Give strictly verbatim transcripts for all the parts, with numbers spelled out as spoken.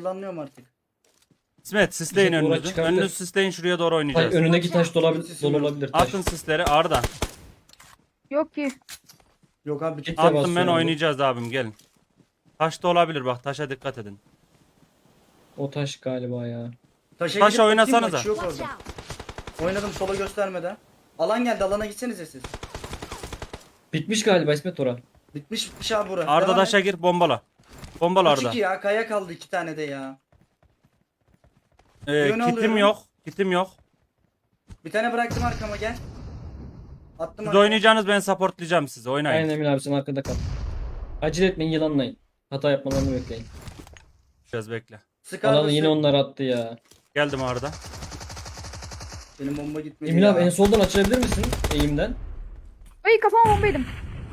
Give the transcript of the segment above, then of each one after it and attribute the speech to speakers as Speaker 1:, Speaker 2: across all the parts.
Speaker 1: yılanlıyorum artık.
Speaker 2: İsmet sisleyin
Speaker 3: Bizim oraya
Speaker 2: önünüzü.
Speaker 3: çıkardı.
Speaker 2: Önünüzü sisleyin, şuraya doğru
Speaker 3: Hayır,
Speaker 2: oynayacağız.
Speaker 3: önündeki taş dolabilir,
Speaker 1: Sesim
Speaker 3: dolu
Speaker 1: yok.
Speaker 3: olabilir. Taş.
Speaker 2: Atın sisleri Arda.
Speaker 4: Yok ki.
Speaker 1: Yok abi.
Speaker 3: Git.
Speaker 2: Attım
Speaker 3: basıyorum
Speaker 2: ben,
Speaker 3: abi.
Speaker 2: oynayacağız abim, gelin. Taş da olabilir bak, taşa dikkat edin.
Speaker 3: O taş galiba ya.
Speaker 1: Taşa
Speaker 2: Taşa
Speaker 1: gidip bakayım,
Speaker 2: oynasanıza.
Speaker 1: maçı yok
Speaker 5: Watch
Speaker 1: orada.
Speaker 5: out!
Speaker 1: Oynadım sola göstermeden. Alan geldi, alana gitsenize siz.
Speaker 3: Bitmiş galiba İsmet ora.
Speaker 1: Bitmiş bitmiş abi bura.
Speaker 2: Arda
Speaker 1: Devam
Speaker 2: taşa
Speaker 1: et.
Speaker 2: gir, bombala. Bombala
Speaker 1: Üç
Speaker 2: Arda.
Speaker 1: iki ya, kaya kaldı iki tane de ya.
Speaker 2: Ee,
Speaker 1: Yönü
Speaker 2: kitim
Speaker 1: alıyorum.
Speaker 2: yok. Kitim yok.
Speaker 1: Bir tane bıraktım arkama, gel. Attım
Speaker 2: Siz
Speaker 1: arkaya.
Speaker 2: oynayacaksınız, ben supportlayacağım sizi, oynayın.
Speaker 3: Aynen Emil abi sen arkada kal. Acele etmeyin, yılanlayın. Hata yapmalarını bekleyin.
Speaker 2: Biraz bekle.
Speaker 1: Sık
Speaker 3: Alanı
Speaker 1: abi,
Speaker 3: yine
Speaker 1: sık.
Speaker 3: onlar attı ya.
Speaker 2: Geldim Arda.
Speaker 1: Benim bomba gitmedi
Speaker 3: Emil
Speaker 1: ya.
Speaker 3: abi en soldan açılabilir misin eğimden?
Speaker 4: Ay kafama bomba yedim.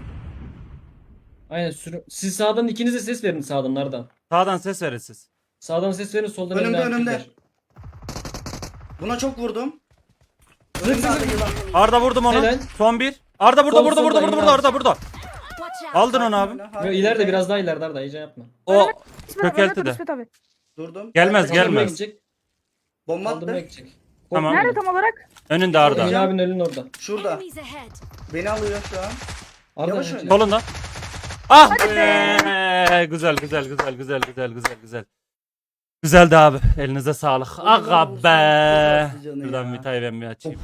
Speaker 3: Aynen sürü... Siz sağdan ikiniz de ses verin sağdan nereden?
Speaker 2: Sağdan ses verin siz.
Speaker 3: Sağdan ses verin, soldan
Speaker 1: Önümde,
Speaker 3: Emil abi
Speaker 1: önümde.
Speaker 3: çeker.
Speaker 1: Buna çok vurdum.
Speaker 3: Zık
Speaker 1: Önümde
Speaker 3: zık
Speaker 1: abi
Speaker 3: zık.
Speaker 1: yılan.
Speaker 2: Arda vurdum onu.
Speaker 3: Helal.
Speaker 2: Son bir. Arda burada,
Speaker 3: Sol,
Speaker 2: burada, burada,
Speaker 3: solda,
Speaker 2: burada,
Speaker 3: Emre
Speaker 2: burada,
Speaker 3: abi.
Speaker 2: Arda burada.
Speaker 5: Watch out!
Speaker 2: Aldın onu abi.
Speaker 1: Oyna,
Speaker 3: Yo,
Speaker 1: hadi.
Speaker 3: ileride biraz daha ileride Arda, iyice yapma.
Speaker 2: O
Speaker 4: İsmet abi,
Speaker 2: Kökelti
Speaker 4: dur,
Speaker 2: de.
Speaker 4: İsmet abi.
Speaker 1: Durdum.
Speaker 2: Gelmez,
Speaker 1: Arkaya
Speaker 2: gelmez.
Speaker 3: Kaldırmaya
Speaker 1: gideceğim.
Speaker 3: gidecek.
Speaker 1: Bomba
Speaker 3: Kaldırmaya
Speaker 1: attı.
Speaker 3: gidecek.
Speaker 2: Tamam.
Speaker 4: Nerede tam olarak?
Speaker 2: önünde Arda.
Speaker 3: Emil abinin önünün orada.
Speaker 1: Şurada.
Speaker 5: Enemies ahead!
Speaker 1: Beni alıyor şu an.
Speaker 3: Arda
Speaker 1: Yavaş
Speaker 3: önce.
Speaker 1: oyna.
Speaker 2: Solunda. Ah
Speaker 4: Hadi
Speaker 2: be. Güzel, güzel, güzel, güzel, güzel, güzel, güzel. Güzeldi abi. Elinize sağlık.
Speaker 1: Oğlum,
Speaker 2: Aga
Speaker 1: vursun,
Speaker 2: be.
Speaker 1: çok canı
Speaker 2: Şuradan
Speaker 1: ya.
Speaker 2: Mita'yı ben bir açayım.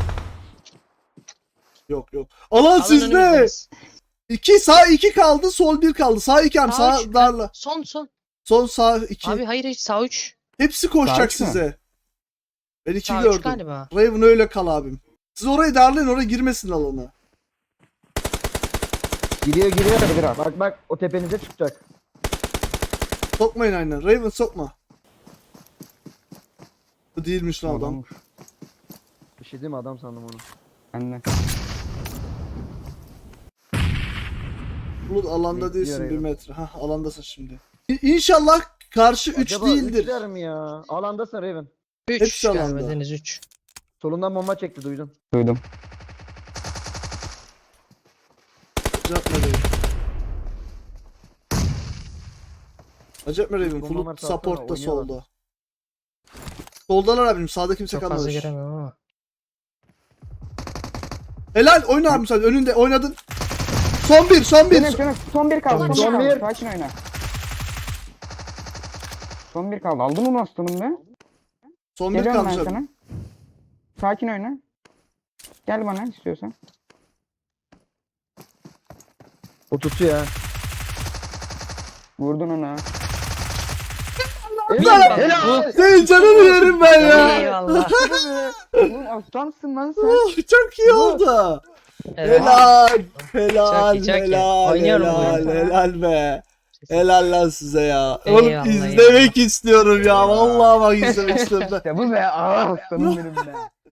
Speaker 6: Yok yok. Alan sizde. İki sağ iki kaldı, sol bir kaldı. Sağ iki am
Speaker 7: Sağ
Speaker 6: sağ
Speaker 7: üç.
Speaker 6: darla.
Speaker 7: Son son.
Speaker 6: Sol sağ iki.
Speaker 7: Abi hayır hiç sağ üç.
Speaker 6: Hepsi koşacak
Speaker 8: Sağ üç mü?
Speaker 6: size. Ben iki
Speaker 7: Sağ üç
Speaker 6: gördüm.
Speaker 7: galiba.
Speaker 6: Raven öyle kal abim. Siz orayı darlayın, oraya girmesin alana.
Speaker 8: Giriyor giriyor hadi biraz. Bak bak o tepenize çıkacak.
Speaker 6: Sokmayın aynen. Raven sokma. Bu değilmiş lan adam.
Speaker 8: Adammış. Bir şey değil mi, adam sandım onu. Anne.
Speaker 6: Bulut alanda
Speaker 8: Bekliyor
Speaker 6: değilsin bir
Speaker 8: Raven.
Speaker 6: metre. Hah alandasın şimdi. İ- İnşallah karşı üç
Speaker 8: Acaba
Speaker 6: değildir.
Speaker 8: üçler mi ya? Alandasın Raven.
Speaker 7: üç
Speaker 6: Hepsi alanda.
Speaker 7: galiba Deniz üç.
Speaker 8: Solundan bomba çekti, duydum.
Speaker 9: Duydum.
Speaker 6: Acayip mi Raven? Acayip mi Raven?
Speaker 8: Bomba
Speaker 6: Bulut
Speaker 8: varsa
Speaker 6: support'ta
Speaker 8: atsana, oynuyorlar.
Speaker 6: solda. Soldalar abim. Sağda kimse
Speaker 7: Çok fazla
Speaker 6: kalmamış.
Speaker 7: giremiyorum ama.
Speaker 6: Helal oyna abim sen. Önünde oynadın. Son bir, son bir.
Speaker 9: Benim canım son bir kaldı.
Speaker 5: Tamam.
Speaker 9: Son
Speaker 8: Son
Speaker 9: bir
Speaker 8: bir.
Speaker 9: kaldı. Sakin oyna. Son bir kaldı. Aldın onu aslanım be.
Speaker 6: Son bir
Speaker 9: Geliyorum
Speaker 6: kalmış
Speaker 9: ben
Speaker 6: abi.
Speaker 9: sana. Sakin oyna. Gel bana istiyorsan.
Speaker 8: O tutuyor ha.
Speaker 9: Vurdun ona.
Speaker 8: Helal. Helal.
Speaker 6: Senin canını yerim ben ya.
Speaker 7: Eyvallah.
Speaker 9: Oğlum aslansın lan sen.
Speaker 6: Oh, çok iyi oldu.
Speaker 7: Evet.
Speaker 6: Helal. Helal.
Speaker 7: Çok iyi, çok iyi.
Speaker 6: Helal.
Speaker 7: Oynuyorum bu
Speaker 6: Helal.
Speaker 9: oyunu.
Speaker 6: Helal be. Helal lan size ya. Oğlum
Speaker 7: Eyvallah,
Speaker 6: izlemek istiyorum ya. Vallahi bak izlemek istiyorum.
Speaker 9: İşte bu be. Aa aslanım benim be.